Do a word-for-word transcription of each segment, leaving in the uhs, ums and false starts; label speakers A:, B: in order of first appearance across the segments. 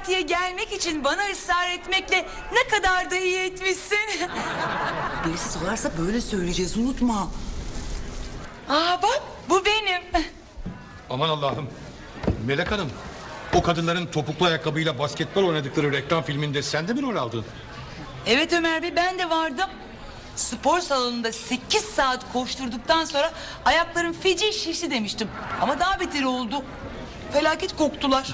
A: partiye gelmek için bana ısrar etmekle ne kadar da iyi etmişsin.
B: Birisi sorarsa böyle söyleyeceğiz, unutma.
A: Aa bak, bu benim.
C: Aman Allah'ım. Melek Hanım, o kadınların topuklu ayakkabıyla basketbol oynadıkları reklam filminde sen de mi rol aldın?
A: Evet Ömer Bey, ben de vardım. Spor salonunda sekiz saat koşturduktan sonra ayaklarım feci şişti demiştim. Ama daha beteri oldu. Felaket koktular.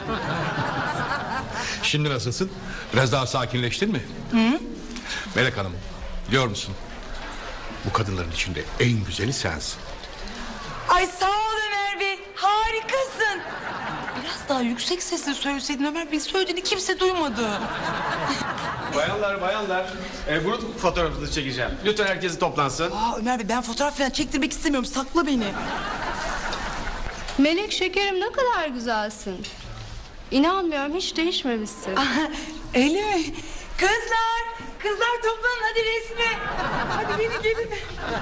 C: Şimdi nasılsın? Biraz daha sakinleştin mi? Hı? Melek Hanım, biliyor musun? Bu kadınların içinde en güzeli sensin.
A: Ay sağ ol Ömer Bey, harikasın. Biraz daha yüksek sesle söyleseydin Ömer Bey, söylediğini kimse duymadı.
D: Bayanlar bayanlar e, grup fotoğrafınızı çekeceğim. Lütfen herkes toplansın.
B: Aa Ömer Bey, ben fotoğraf falan çektirmek istemiyorum, sakla beni.
E: Melek şekerim, ne kadar güzelsin. İnanmıyorum, hiç değişmemişsin.
A: Öyle mi? Kızlar, kızlar toplanın hadi resme. Hadi beni gelin.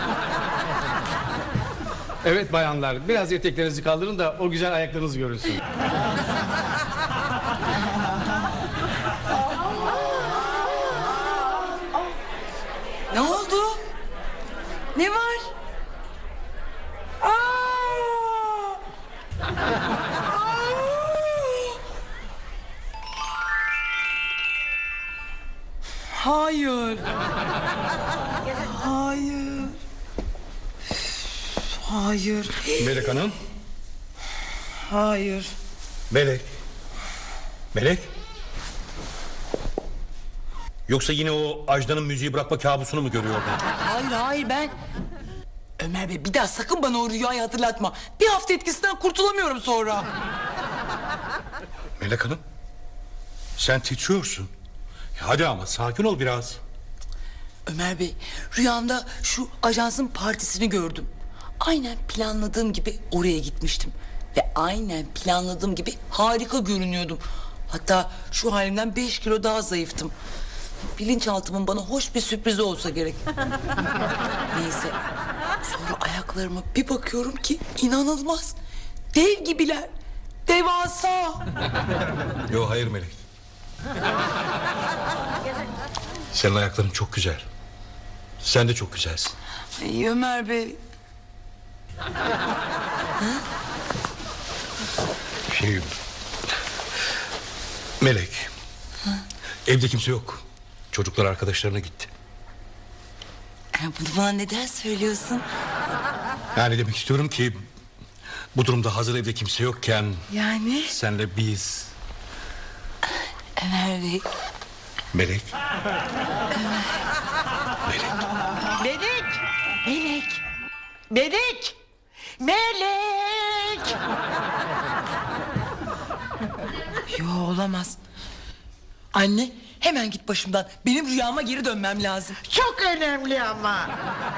D: Evet bayanlar, biraz eteklerinizi kaldırın da o güzel ayaklarınız görünsün.
A: Ne oldu? Ne var? Aa! Aa! Hayır. Hayır. Hayır.
C: Melek Hanım.
A: Hayır.
C: Melek. Melek. Yoksa yine o Ajda'nın müziği bırakma kabusunu mu görüyordun?
B: Hayır hayır, ben... Ömer Bey, bir daha sakın bana o rüyayı hatırlatma. Bir hafta etkisinden kurtulamıyorum sonra.
C: Melek Hanım. Sen titriyorsun. Hadi ama sakin ol biraz.
B: Ömer Bey, rüyamda şu ajansın partisini gördüm. Aynen planladığım gibi oraya gitmiştim. Ve aynen planladığım gibi harika görünüyordum. Hatta şu halimden beş kilo daha zayıftım. Bilinçaltımın bana hoş bir sürprizi olsa gerek. Neyse. Sonra ayaklarıma bir bakıyorum ki inanılmaz. Dev gibiler. Devasa.
C: Yok hayır Melek. Senin ayakların çok güzel. Sen de çok güzelsin.
B: Ay Ömer Bey.
C: Şey... Melek. Evde kimse yok. Çocuklar arkadaşlarına gitti.
B: Bunu bana neden söylüyorsun?
C: Yani demek istiyorum ki... Bu durumda hazır evde kimse yokken...
B: Yani?
C: Senle biz...
B: Ömer Bey.
C: Melek. Melek.
F: Melek! Melek! Melek! Melek!
B: Yo, olamaz. Anne, hemen git başımdan. Benim rüyama geri dönmem lazım.
F: Çok önemli ama.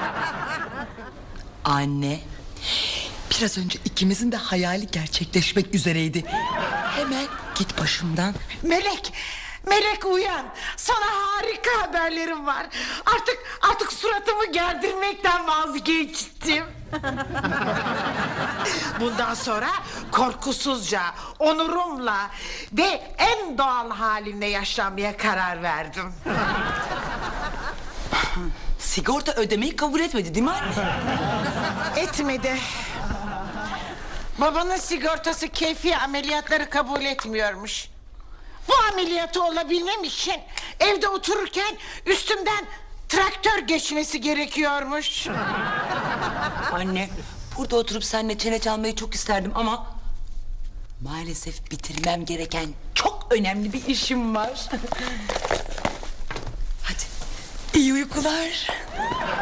B: Anne, biraz önce ikimizin de hayali gerçekleşmek üzereydi. Hemen git başımdan.
F: Melek! Melek uyan. Sana harika haberlerim var. Artık artık suratımı gerdirmekten vazgeçtim. Bundan sonra korkusuzca, onurumla ve en doğal halimle yaşamaya karar verdim.
B: Sigorta ödemeyi kabul etmedi değil mi anne?
F: Etmedi. Babanın sigortası keyfi ameliyatları kabul etmiyormuş. Bu ameliyatı olabilmem için evde otururken üstümden traktör geçmesi gerekiyormuş.
B: Anne, burada oturup seninle çene çalmayı çok isterdim ama... maalesef bitirmem gereken çok önemli bir işim var. Hadi, iyi uykular.